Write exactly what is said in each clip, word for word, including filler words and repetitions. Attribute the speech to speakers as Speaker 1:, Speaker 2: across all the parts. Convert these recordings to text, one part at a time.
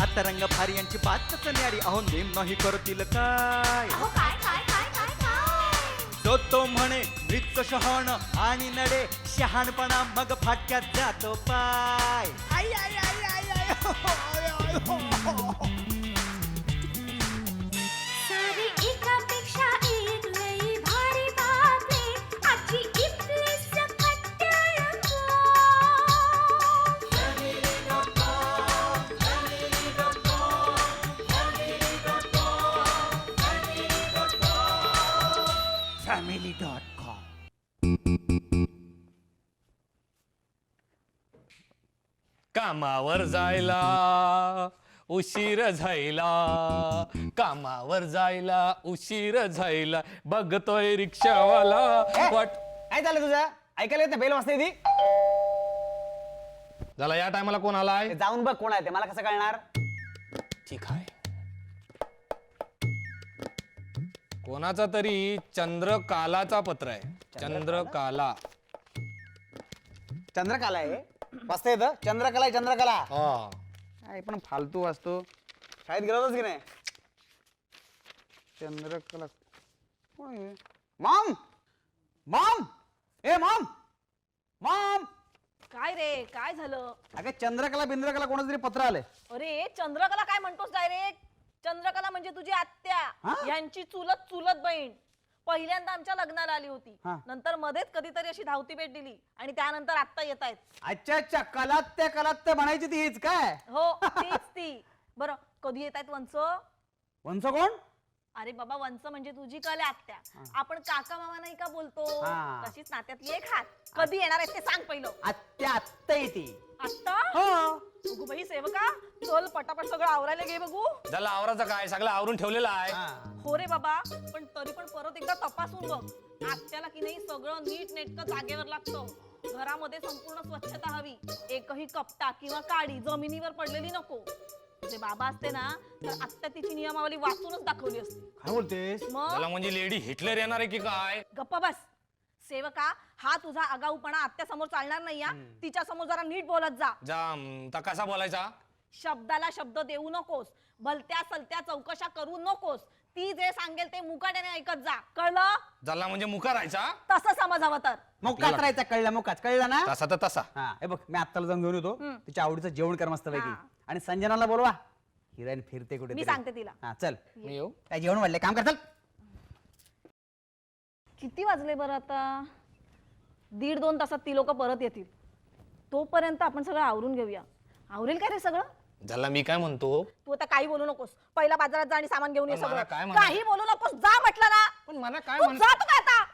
Speaker 1: आता रंग भारी यांची बातच न्यारी, अहो नेम नाही करतील काय.
Speaker 2: अहो काय काय काय काय काय
Speaker 1: तो तो म्हणे मृत शहाण आणि नडे शहाणपणा मग फाटक्यात जातो पाय. आई आई आई आई आई हो, हो, आय, आय, हो, हो.
Speaker 2: सारी एकापेक्षा एक लई भारी बातमी आजची इथली सकट टेलिफोन.
Speaker 1: Family dot com.
Speaker 3: कामावर जायला उशीर झायला, कामावर जायला उशीर झायला, बघतोय रिक्षावाला वाट.
Speaker 4: काय झालं तुझं? ऐकायला येत नाही बेल वाजते ती.
Speaker 3: झाला या टायमाला कोण आलाय?
Speaker 4: ते जाऊन बघ कोण आहे ते, मला कसं कळणार?
Speaker 3: ठीक आहे. कोणाचा तरी चंद्रकालाचा पत्र आहे. चंद्रकाला.
Speaker 4: चंद्रकला आहे वाजता येतं. चंद्रकला आहे चंद्रकला.
Speaker 3: हा
Speaker 4: काय पण फालतू वाजतो. शाळेत गेला होतास की नाही? चंद्रकला कोण आहे? मॉम मॉम ए मॉम मॉम.
Speaker 5: काय रे काय झालं?
Speaker 4: अगं चंद्रकला बिंद्रकला कोणाचं तरी पत्र आलंय.
Speaker 5: अरे चंद्रकला काय म्हणतोस डायरेक्ट? चंद्रकला म्हणजे तुझी आत्या,
Speaker 4: हा?
Speaker 5: यांची चुलत चुलत बहीण. पहिल्यांदा आमच्या लग्नाला आली होती,
Speaker 4: हा.
Speaker 5: नंतर मध्येच कधीतरी अशी धावती भेट दिली आणि त्यानंतर आत्ता येत आहेत.
Speaker 4: अच्छा अच्छा कलात्या कलात्या म्हणायची ती हीच काय?
Speaker 5: हो तीच ती. बरं कधी येत आहेत वंच?
Speaker 4: वंश कोण?
Speaker 5: अरे बाबा वंच म्हणजे तुझी कले आत्या. आपण काका मामा नाही का बोलतो,
Speaker 4: हा.
Speaker 5: तशीच नात्यातली एक हात. कधी येणार आहेत ते सांग पहिलं.
Speaker 4: आत्या आत्ता येते.
Speaker 5: आत्ता
Speaker 4: हो.
Speaker 5: बघू बाई सेवका, चल पटापट सगळं आवरायला घे बघू.
Speaker 3: झाला आवराचा काय, सगळं आवरून ठेवलेलं आहे.
Speaker 5: हो रे बाबा, पण तरी पण परत एकदा तपासून बघ. आत्याला की नाही सगळं नीट नेटकं जागेवर लागतं. घरामध्ये संपूर्ण स्वच्छता हवी. एकही कपटा किंवा काडी जमिनीवर पडलेली नको. जे बाबा असते ना तर आत्या तिची नियमावली वाचूनच दाखवली असते.
Speaker 4: काय बोलतेस?
Speaker 5: मग
Speaker 3: झाला म्हणजे लेडी हिटलर येणार आहे की काय?
Speaker 5: गप्पा बस सेवका, हा तुझा आगाऊपणा आत्या समोर चालणार नाही. तिच्या समोर जरा नीट बोलत जा.
Speaker 3: जाम तर कसा बोलायचा?
Speaker 5: शब्दाला शब्द देऊ नकोस. भलत्या सलत्या चौकशा करू नकोस. ती जे सांगेल ते मुकाट्याने ऐकत जा. कळलं?
Speaker 3: झाला म्हणजे मुका राहायचा.
Speaker 5: तसं समजावं तर.
Speaker 4: मोकाच राहायचा. कळला मोकाच कळला ना?
Speaker 3: तसा तर तसा.
Speaker 4: हा हे बघ मी आत्ताला जाऊन घेऊन येतो.
Speaker 5: हम्म.
Speaker 4: तिच्या आवडीचं जेवण कर मस्त पैकी.
Speaker 5: हा.
Speaker 4: आणि संजनाला बोलवा. हिराईन फिरते कुठे
Speaker 5: मी सांगते तिला.
Speaker 4: हा चल.
Speaker 3: मी येऊ?
Speaker 4: काय जेवण वाढले काम कर चल.
Speaker 5: किती वाजले बरं आता? दीड दोन तासात ती लोक परत येतील. तोपर्यंत आपण सगळं आवरून घेऊया. आवरेल काय रे सगळं?
Speaker 3: झाला मी काय म्हणतो,
Speaker 5: तू आता काही बोलू नकोस. पहिला बाजारात जा आणि सामान घेऊन ये
Speaker 3: पण मला
Speaker 5: सगळं.
Speaker 3: काय म्हणायचं?
Speaker 5: काही बोलू नकोस. जा म्हटलं ना.
Speaker 3: पण मला काय
Speaker 5: तू
Speaker 3: म्हण
Speaker 5: जा तू काय आता.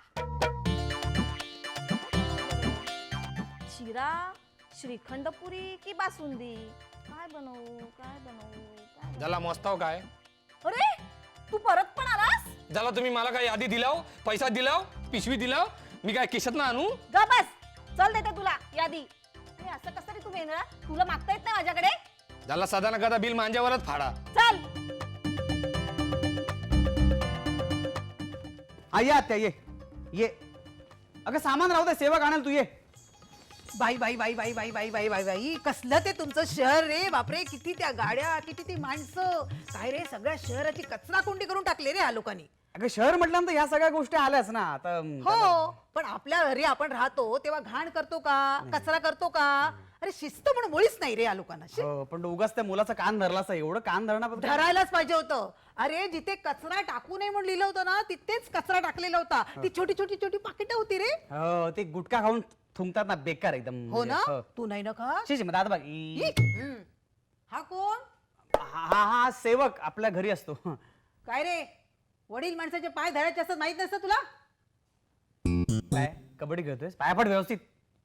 Speaker 5: शिरा, श्रीखंड पुरी की बासुंदी? काय बनवू काय बनवू काय बनवू?
Speaker 3: झाला मस्त हो काय?
Speaker 5: अरे तू परत पण आलास?
Speaker 3: झाला तुम्ही मला काय यादी दिलाव, पैसा दिलाव, पिशवी दिलाव, मी काय केशात ना आणू?
Speaker 5: जा बस. चल देते तुला यादी. हे असं कसं रे तू वेगळा? तुला मागता येत नाही माझ्याकडे?
Speaker 3: झाला साधा ना कदा बिल माझ्यावरच फाडा.
Speaker 5: चल.
Speaker 4: हा ये आत्या ये ये. अगं सामान राहू दे सेवक आणाल तू ये.
Speaker 6: बाई बाई बाई बाई बाई बाई बाई बाई बाई कसलं ते तुमचं शहर रे बापरे. किती त्या गाड्या, किती ती माणसं. काय रे सगळ्या शहराची कचरा कोंडी करून टाकले रे ह्या लोकांनी.
Speaker 4: अगं शहर म्हटल्यानंतर ह्या सगळ्या गोष्टी आल्याच ना आता.
Speaker 6: हो पण आपल्या घरी आपण राहतो तेव्हा घाण करतो का, कचरा करतो का? अरे शिस्त पण मुळीच नाही रे या लोकांना. शी.
Speaker 4: हो, पण उगाच त्या मुलाचा कान धरला असं एवढं कान धरणं
Speaker 6: धरायलाच पाहिजे होतं. अरे जिथे कचरा टाकू नये म्हणून लिहिलं होतं ना तिथेच कचरा टाकलेला होता. ती छोटी छोटी छोटी पाकिटं होती रे.
Speaker 4: हो ते गुटखा खाऊन थुंकतात ना बेकार एकदम.
Speaker 6: हो ना.
Speaker 4: हो.
Speaker 6: तू नाही ना का?
Speaker 4: शी, शी, मग दादा बघ
Speaker 6: ई.
Speaker 4: ई.
Speaker 6: हम्म. हा कोण?
Speaker 4: हा हा हा सेवक आपल्या घरी असतो.
Speaker 6: काय रे वडील माणसाचे पाय धरायचे असतात माहित नसतं तुला?
Speaker 4: काय कबड्डी खेळतोय पायापट व्यवस्थित.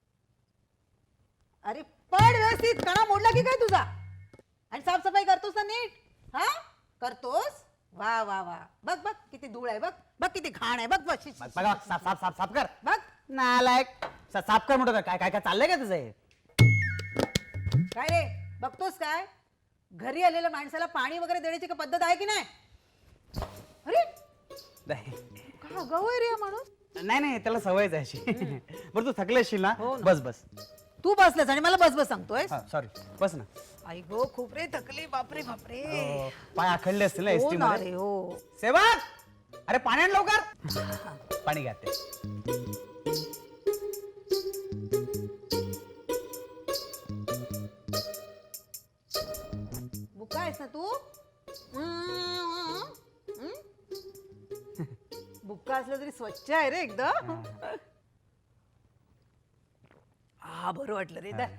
Speaker 6: अरे पड व्यवस्थित. कणा मोडला की काय तुझा? आणि साफसफाई करतोस ना नीट? हा करतोस? वा वा वा. बघ बघ किती धूळ आहे. बघ बघ किती घाण आहे. बघ बघ शी, शी,
Speaker 4: बघ,
Speaker 6: शी,
Speaker 4: बघा
Speaker 6: शी,
Speaker 4: साफ साफ साफ साफ कर.
Speaker 6: बघ.
Speaker 4: नालायक. सा- साफ कर म्हणतो काय काय काय चाललंय का तुझं हे?
Speaker 6: काय रे बघतोस काय? घरी आलेल्या माणसाला पाणी वगैरे देण्याची का पद्धत आहे की नाही? अरे
Speaker 4: नाही
Speaker 6: का आगाऊ आहे रे हा माणूस.
Speaker 4: नाही नाही, त्याला सवयच आहे अशी. बरं तू थकले असशील ना?
Speaker 6: हो ना.
Speaker 4: बस बस.
Speaker 6: तू बसलास आणि मला बस बस सांगतोय.
Speaker 4: सॉरी बस ना.
Speaker 6: आई गो खूप रे थकले बापरे बापरे
Speaker 4: पाय आखडले असतील ना
Speaker 6: हो
Speaker 4: एसटी
Speaker 6: ना
Speaker 4: मध्ये
Speaker 6: रे हो
Speaker 4: सेवक अरे पाणी आण लवकर पाणी घाते
Speaker 6: बुका आहेस ना तू बुक्का असलं तरी स्वच्छ आहे रे एकदम हा बरं वाटलं रे दा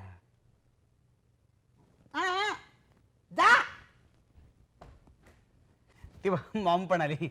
Speaker 6: हा, हा. जा
Speaker 4: ती मॉम पण आली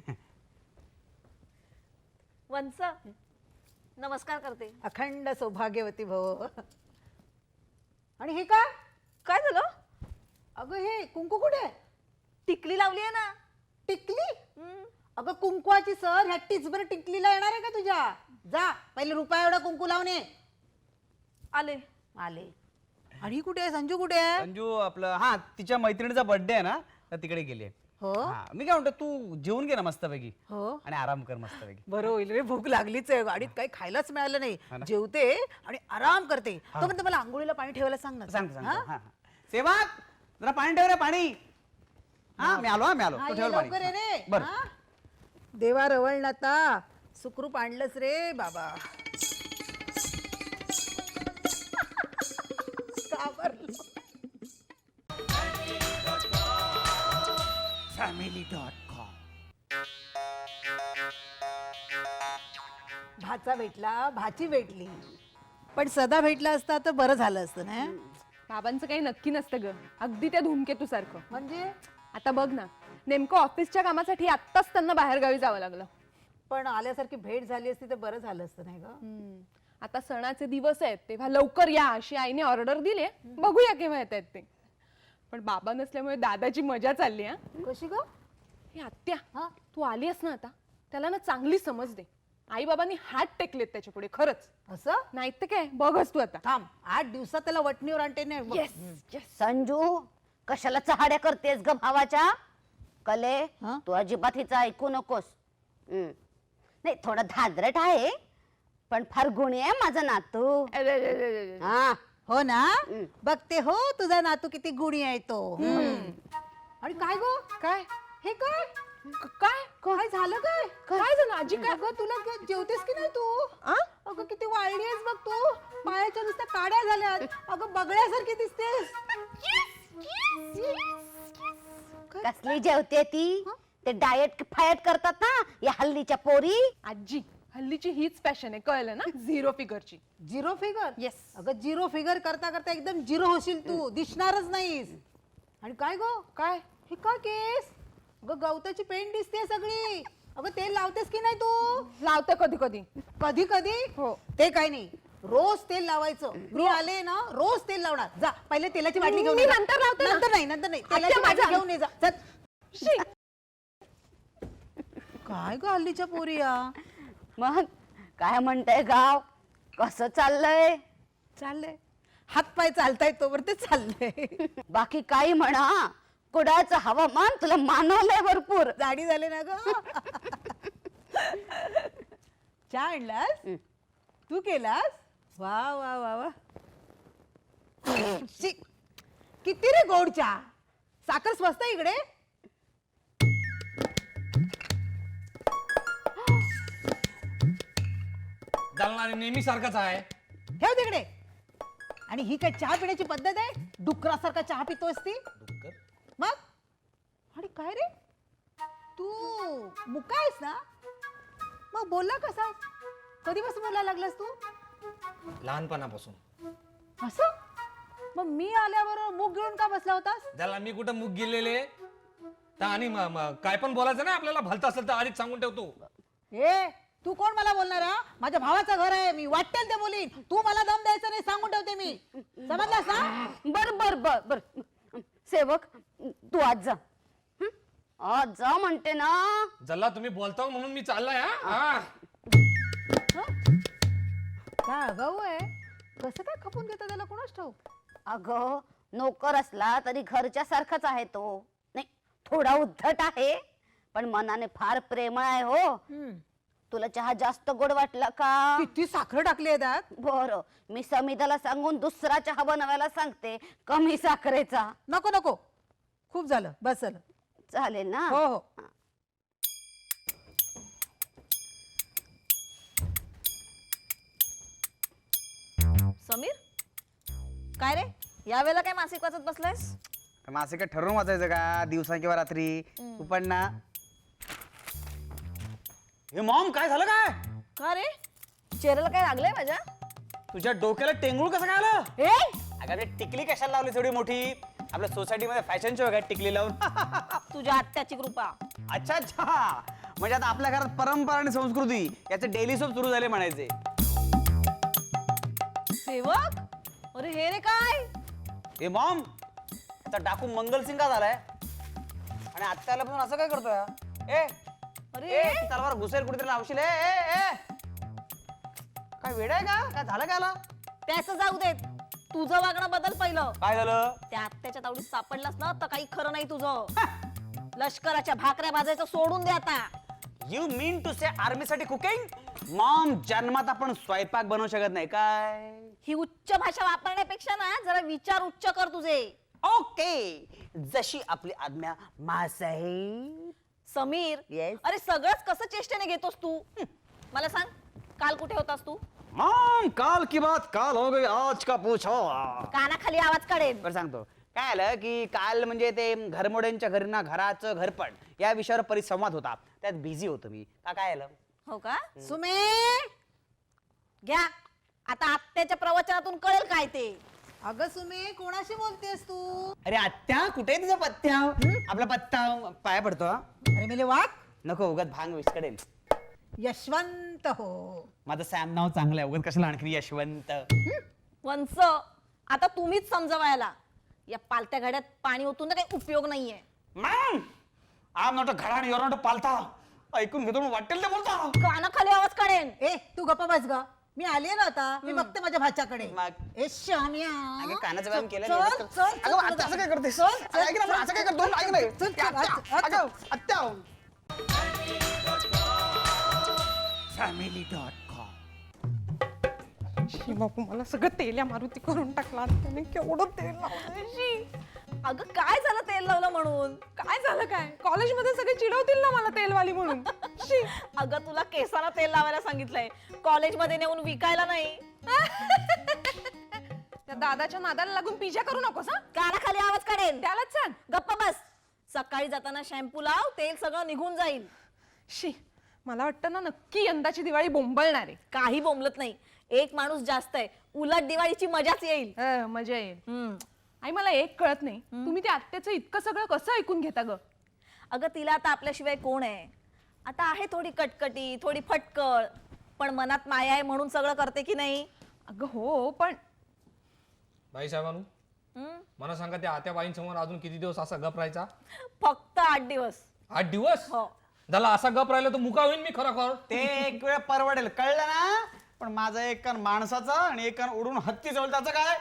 Speaker 5: वंस नमस्कार करते.
Speaker 6: अखंड सौभाग्यवती भव आणि हे काय
Speaker 5: काय झालं?
Speaker 6: अगं हे कुंकू कुठे आहे?
Speaker 5: टिकली लावली आहे ना.
Speaker 6: टिकली
Speaker 5: हम्म.
Speaker 6: अगं कुंकवाची सर ह्या टिचभर टिकलीला येणार आहे का तुझ्या जा पहिले रुपया एवढा कुंकू लावणे
Speaker 5: आले.
Speaker 6: आले आणि ही कुठे आहे संजू कुठे आहे
Speaker 4: संजू आपलं हा तिच्या मैत्रिणीचा बर्थडे आहे ना तर तिकडे गेली आहे.
Speaker 6: हो
Speaker 4: हा, मी काय म्हणतो तू जेवून घे ना मस्तपैकी
Speaker 6: हो
Speaker 4: आणि आराम कर मस्तपैकी.
Speaker 6: बरं होईल रे भूक लागलीच आहे गाडीत काही खायलाच मिळालं नाही
Speaker 4: हा ना.
Speaker 6: जेवते आणि आराम करते तो म्हणते मला आंघोळीला पाणी ठेवायला सांग ना
Speaker 4: सांगतो सांगतो
Speaker 6: हा?
Speaker 4: हा, हा. सेवक जरा पाणी ठेव रे पाणी हा मी आलो हा मी आलो
Speaker 6: हा,
Speaker 4: तू
Speaker 6: ये
Speaker 4: ठेव
Speaker 6: लवकर ये
Speaker 4: पाणी
Speaker 6: रे
Speaker 4: बरं
Speaker 6: हा? देवा रवळनाथा सुखरूप आणलंच रे बाबा घाबरलो.
Speaker 1: फॅमिली डॉट कॉम
Speaker 6: भाचा भेटला भाची भेटली पण सदा भेटला असता तर बरं झालं असतं ना
Speaker 7: बाबांचं काही नक्की नसतं ग अगदी त्या धूमकेतू सारखं.
Speaker 6: म्हणजे
Speaker 7: आता बघ ना नेमकं ऑफिसच्या कामासाठी आत्ताच त्यांना बाहेर गावी जावं लागलं.
Speaker 6: पण आल्यासारखी भेट झाली असती तर बरं झालं असतं नाही ग
Speaker 7: आता सणाचे दिवस आहेत तेव्हा लवकर या अशी आईने ऑर्डर दिली बघूया केव्हा येत आहेत ते. पण बाबा नसल्यामुळे दादाची मजा चालली हा.
Speaker 6: कशी ग
Speaker 7: हे आत्या
Speaker 6: हा
Speaker 7: तू आलीस ना आता त्याला ना चांगली समज दे. आई बाबांनी हात टेकलेत त्याच्या पुढे खरंच
Speaker 6: असं
Speaker 7: नाही तर काय बघच तू आता.
Speaker 6: थांब आठ दिवसात त्याला वटणीवर आणते नाही बघ.
Speaker 8: संजू कशाला चहाड्या करतेस ग भावाच्या कले
Speaker 6: हं?
Speaker 8: तू अजिबात हिचं ऐकू नकोस हम्म. नाही थोडं धादरट आहे पण फार गुणी आहे माझा नातू हा
Speaker 6: हो ना
Speaker 8: हं.
Speaker 6: बघते हो तुझा नातू किती गुणी आहे तो आणि काय गो
Speaker 7: काय
Speaker 6: हे काय
Speaker 7: क- काय
Speaker 6: काय झालं काय
Speaker 7: काय झालं आजी काय
Speaker 6: अगं तुला ग- जेवतेस की नाही तू
Speaker 7: आ?
Speaker 6: अगं किती वाळली आहेस बघ तू पायाच्या नुसत्या काड्या झाल्यात अगं बगड्यासारखी दिसतेस
Speaker 8: कसली जेवते ती ते डाएट फायट करतात ना या हल्लीच्या पोरी
Speaker 7: आजी हल्लीची हीच फॅशन आहे कळलं ना झिरो फिगरची.
Speaker 6: Zero figure
Speaker 7: Yes.
Speaker 6: अगं झिरो फिगर करता करता एकदम झिरो होशील तू दिसणारच नाहीस आणि काय गो
Speaker 7: काय
Speaker 6: हे काय केस अगं गवताची पेंट दिसते सगळी अगं तेल लावतेस की नाही तू
Speaker 7: लावते कधी कधी.
Speaker 6: कधी कधी
Speaker 7: हो.
Speaker 6: ते काय नाही रोज तेल लावायचं मी आले ना रोज तेल लावणार जा पहिले तेलाची बाटली घेऊन
Speaker 7: मी
Speaker 6: ये जा.
Speaker 7: नंतर लावते ना.
Speaker 6: नंतर नाही नंतर नाही
Speaker 7: आत्या,
Speaker 6: तेलाची बाटली
Speaker 7: माझा-
Speaker 6: घेऊन ये जा चल.
Speaker 7: शी.
Speaker 6: काय ग हल्लीच्या पोरी या
Speaker 8: मग काय म्हणताय गाव कसं चाललंय
Speaker 6: चाललंय हात पाय चालतायत तोवर ते चाललंय
Speaker 8: बाकी काही म्हणा कुडाचं हवामान तुला मानवलंय भरपूर
Speaker 6: जाडी झाले ना ग चहा आणलास तू केलास वा वा वा वा शी, किती रे गोड चहा साखर स्वस्त आहे इकडे
Speaker 3: जालना नेहमी सारखाच आहे.
Speaker 6: ठेव तिकडे आणि ही काय चहा पिण्याची पद्धत आहे डुकरासारखा चहा पितोस ती मग आणि काय रे तू मुका आहेस ना मग बोलला कसा कधीपासून बोलायला लागलास तू
Speaker 3: लहानपणापासून.
Speaker 6: असं मग मी आल्यावर मुग घेऊन का बसला होतास
Speaker 3: त्याला मी कुठं मुग गेलेले तर आणि म- म- काय पण बोलायचं ना आपल्याला भलत असेल तर आधीच सांगून ठेवतो.
Speaker 6: ए तू कोण मला बोलणार हा? माझ्या भावाचं घर आहे मी वाटेल ते बोलीन तू मला दम द्यायचा नाही सांगून ठेवते मी समजलास ना
Speaker 8: बर बर बर बर सेवक तू आज जा हं? आज जा म्हणते ना
Speaker 3: जल्ला तुम्ही बोलता म्हणून मी चाललाय हा? हा
Speaker 6: काय अगाऊ आहे कसं काय खपून घेतो त्याला कोणाच ठाऊक
Speaker 8: अगं नोकर असला तरी घरच्या सारखाच आहे तो नाही थोडा उद्धट आहे पण मनाने फार प्रेमळ आहे हो तुला चहा जास्त गोड वाटला का
Speaker 6: किती साखर टाकली आहे त्यात
Speaker 8: बरं मी समिताला सांगून दुसरा चहा बनवायला सांगते कमी साखरेचा
Speaker 6: नको नको खूप झालं बस झालं
Speaker 8: चालेल ना
Speaker 6: हो हो
Speaker 5: समीर काय रे यावेळेला काय मासिक वाचत बसलायस
Speaker 4: मासे काय ठरवून वाचायचं का दिवसा किंवा रात्री तू पण ना हे मॉम काय झालं काय
Speaker 5: का रे चेहऱ्याला काय लागलंय माझ्या
Speaker 4: तुझ्या डोक्याला टेंगूळ कसं काय आलं
Speaker 5: ए
Speaker 4: अगं ते टिकली कशाला लावली एवढी मोठी आपल्या सोसायटीमध्ये फॅशन शो काय टिकली लावून
Speaker 5: तुझ्या आत्याची कृपा
Speaker 4: अच्छा अच्छा म्हणजे आता आपल्या घरात परंपरा आणि संस्कृती याचे डेली सोप सुरू झाले म्हणायचे
Speaker 5: सेवक अरे हे रे काय
Speaker 4: हे मॉम आता डाकू मंगलसिंग का झालाय आणि आत्याला पण असं काय करतोय ए
Speaker 5: अरे
Speaker 4: ए ती तलवार घुसेल कुठेतरी लावशील ए ए ए काय वेड आहे का काय झालं काय आला
Speaker 5: त्याचं जाऊ देत तुझं वागणं बदल पहिलं
Speaker 4: काय झालं
Speaker 5: त्या आत्याच्या तावडीत सापडलास ना तर काही खरं नाही तुझं लष्कराच्या भाकऱ्या भाजायचं सोडून दे आता
Speaker 4: you mean to say army साठी कुकिंग मॉम जन्मात आपण स्वयंपाक बनवू शकत नाही काय
Speaker 5: ही उच्च भाषा वापरण्यापेक्षा ना जरा विचार उच्च कर तुझे
Speaker 4: ओके जशी आपली आज्ञा मासाहेब
Speaker 5: समीर
Speaker 4: Yes.
Speaker 5: अरे सगळंच कसं चेष्टेने घेतोस तू हं, मला सांग काल कुठे होतास तू
Speaker 4: मॉम काल की बात काल हो गई आज का पूछो
Speaker 5: कानाखाली आवाज काढेल
Speaker 4: बरं सांगतो काय आलं की काल म्हणजे ते घरमोड्यांच्या घरना घराचं घरपण या विषयावर परिसंवाद होता त्यात बिझी होतो मी का काय आलं
Speaker 5: हो का
Speaker 6: सुमे
Speaker 5: घ्या आता आत्याच्या प्रवचनातून कळेल काय ते
Speaker 6: अगं सुमे कोणाशी बोलतेस तू
Speaker 4: अरे आत्या कुठे आहे तुझा पत्त्या आपला पत्ता पाया पडतो हा?
Speaker 6: अरे मेले वाघ
Speaker 4: नको उगाच भांग विस्कडेल
Speaker 6: यशवंत हो
Speaker 4: माझं सॅम नाव चांगलं आहे उगाच कशाला आणखी यशवंत
Speaker 5: वंस आता तुम्हीच समजवायला या पालत्या घड्यात पाणी ओतून ना काही उपयोग नाहीये
Speaker 4: मॅम आम नॉट अ घडा आणि युअर नॉट अ पालता ऐकून घेतो म्हणून वाटेल ते बोलता
Speaker 5: कानाखाली आवाज काढेन
Speaker 6: ए तू गप्पा बस ग मी आले ना आता मी बघते माझ्या भाच्याकडे
Speaker 4: मग?
Speaker 6: ए शाम्या
Speaker 4: अगं कानाचं व्यायाम केलं
Speaker 6: चल,
Speaker 4: नाही.
Speaker 6: चल, चल,
Speaker 4: अगं
Speaker 6: चल,
Speaker 4: आत्या असं काय करतेस
Speaker 6: चल, चल,
Speaker 4: ऐक ना,
Speaker 6: चल,
Speaker 4: असं काय करतो ऐक नाही
Speaker 6: चल, चल,
Speaker 4: आत्या,
Speaker 6: आत- आत-
Speaker 4: अगं, आत्या फॅमिली डॉट कॉम
Speaker 7: बापू मला सगळं तेल्या मारुती करून टाकला त्याने केवढं तेल लावलंय शी.
Speaker 5: अगं काय झालं तेल लावलं म्हणून
Speaker 7: काय झालं काय कॉलेजमध्ये सगळे चिडवतील ना मला तेलवाली म्हणून शी.
Speaker 5: अगं तुला केसाला तेल लावायला सांगितलंय कॉलेजमध्ये नेऊन विकायला नाही
Speaker 7: त्या दादाच्या नादाला लागून पिजा करू नकोस हा
Speaker 5: कानाखाली आवाज काढेन
Speaker 7: त्यालाच सांग
Speaker 5: गप्पा बस सकाळी जाताना शॅम्पू लाव तेल सगळं निघून जाईल
Speaker 7: शी मला वाटतं ना नक्की यंदाची दिवाळी बोंबलणार आहे
Speaker 5: काही बोंबलत नाही एक माणूस जास्त आहे उलट दिवाळीची मजाच येईल
Speaker 7: अं, मजा येईल
Speaker 5: हम्म.
Speaker 7: आई मला एक कळत नाही तुम्ही त्या आत्याचं इतकं सगळं कसं ऐकून घेता ग
Speaker 5: अगं तिला आता आपल्याशिवाय कोण आहे आता आहे थोडी कटकटी थोडी फटकळ पण मनात माया आहे म्हणून सगळं करते की नाही
Speaker 7: अगं हो पण
Speaker 3: बाई साहेबांनो
Speaker 5: हम्म?
Speaker 3: मला सांगा त्या आत्या बाईंसमोर अजून किती दिवस असा गप राहायचा
Speaker 5: फक्त आठ दिवस
Speaker 3: आठ दिवस
Speaker 5: हो
Speaker 3: झाला असा गप राहिला तर मुका होईन मी खरा खर
Speaker 4: ते एक वेळ परवडेल कळलं ना पण माझा एक कान माणसाचा आणि एक कान उडून हत्ती जवळ त्याचं काय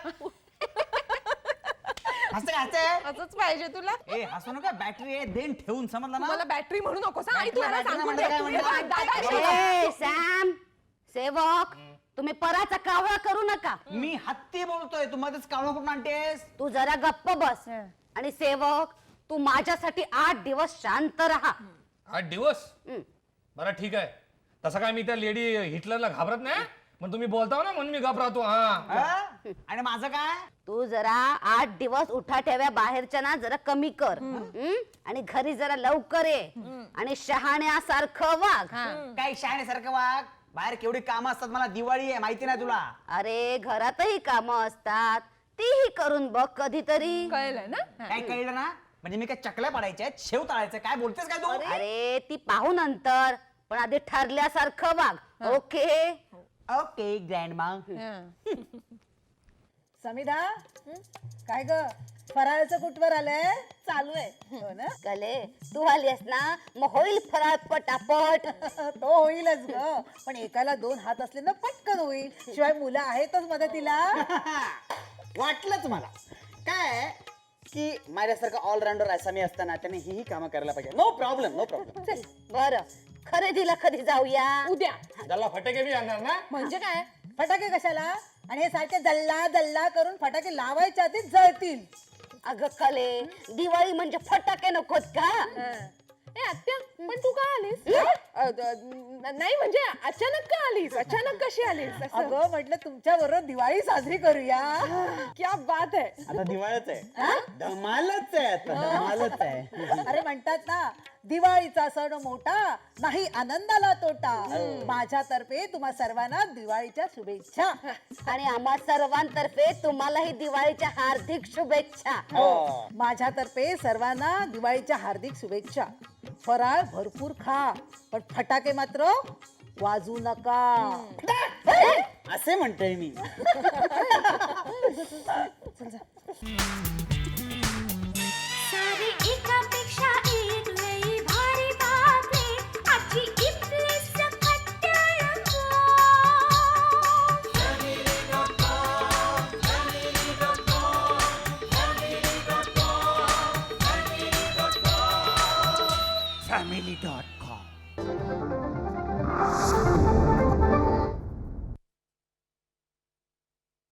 Speaker 4: हसते हसते
Speaker 7: असंच पाहिजे तुला
Speaker 4: ए हसू नका बॅटरी आहे देन ठेवून समजलं
Speaker 7: मला
Speaker 4: ना
Speaker 7: बॅटरी म्हणू नकोस हा? आई तुला
Speaker 4: बॅटरी
Speaker 7: सांगून
Speaker 4: म्हणजे काय
Speaker 7: दे.
Speaker 4: म्हणजे?
Speaker 7: तुम्ही दादा शिवा.
Speaker 8: ए सॅम सेवक तुम्ही पराचा कावळा करू नका
Speaker 4: मी हत्ती बोलतोय तू मध्येच कावळा कुठून आणतेस
Speaker 8: तू जरा गप्प बस आणि सेवक तू माझ्यासाठी आठ दिवस शांत राहा
Speaker 3: आठ दिवस
Speaker 8: हम्म.
Speaker 3: बरं ठीक आहे तसं काय मी त्या लेडी हिटलरला घाबरत नाही पण तुम्ही बोलताव ना म्हणून मी गप राहतो हा
Speaker 4: हा? आणि माझं काय
Speaker 8: तू जरा आठ दिवस उठा ठेव्या बाहेरच्या ना जरा कमी कर हम्म? आणि घरी जरा लवकर ये आणि शहाण्यासारखं वाघ
Speaker 4: काय शाळेसारखं वाघ बाहेर केवढी कामं असतात मला दिवाळी आहे माहिती नाही तुला
Speaker 8: अरे घरातही कामं असतात तीही करून बघ कधीतरी
Speaker 7: कळलं ना हा.
Speaker 4: काय कळलं ना म्हणजे मी काय चकल्या पडायच्या आहेत, शेव तळायचं काय बोलतेस काय तू
Speaker 8: अरे ती पाहू नंतर पण आधी ठरल्यासारखं वाघ ओके
Speaker 4: ओके ग्रँड मा
Speaker 7: हा.
Speaker 6: समिधा काय ग फराळाचं कुठवर आलंय
Speaker 5: चालू आहे
Speaker 6: हो ना
Speaker 8: कले तू आलीस ना मग होईल फराळ पटापट
Speaker 6: तो होईलच ग पण एकाला दोन हात असले ना पटकन होईल शिवाय मुलं आहेतच मदतीला
Speaker 4: वाटलंच मला काय की माझ्यासारखं ऑलराऊंडर असा मी असताना त्याने ही कामं करायला पाहिजे नो प्रॉब्लेम नो प्रॉब्लेम
Speaker 8: बर खरेदीला कधी जाऊया
Speaker 7: उद्या
Speaker 3: त्याला फटाके बी आणणार ना
Speaker 6: म्हणजे काय फटाके कशाला आणि हे सारखे जल्ला जल्ला करून फटाके लावायच्या आधीच जळतील.
Speaker 8: अगं कले दिवाळी म्हणजे फटाके नकोत का
Speaker 7: ए आत्या पण तू का आलीस अ, द- न- नाही म्हणजे अचानक का आलीस अचानक कशी आलीस असं?
Speaker 6: अगं म्हटलं तुमच्या बरोबर दिवाळी साजरी करूया.
Speaker 7: क्या बात आहे.
Speaker 4: आता दिवाळच आहे धमालच आहे आता धमालच आहे.
Speaker 6: अरे म्हणतात ना दिवाळीचा सण मोठा नाही आनंदाला तोटा. माझ्यातर्फे तुम्हा सर्वांना दिवाळीच्या शुभेच्छा.
Speaker 8: आणि आम्हा सर्वांतर्फे तुम्हालाही दिवाळीच्या हार्दिक शुभेच्छा.
Speaker 6: माझ्यातर्फे सर्वांना दिवाळीच्या हार्दिक शुभेच्छा. फराळ भरपूर खा पण फटाके मात्र वाजू नका.
Speaker 4: असे म्हणतोय मी.
Speaker 2: सारी एकापेक्षा एक लई भारी बातमी आजची इथली सकट टेलिफोन.
Speaker 1: Family dot com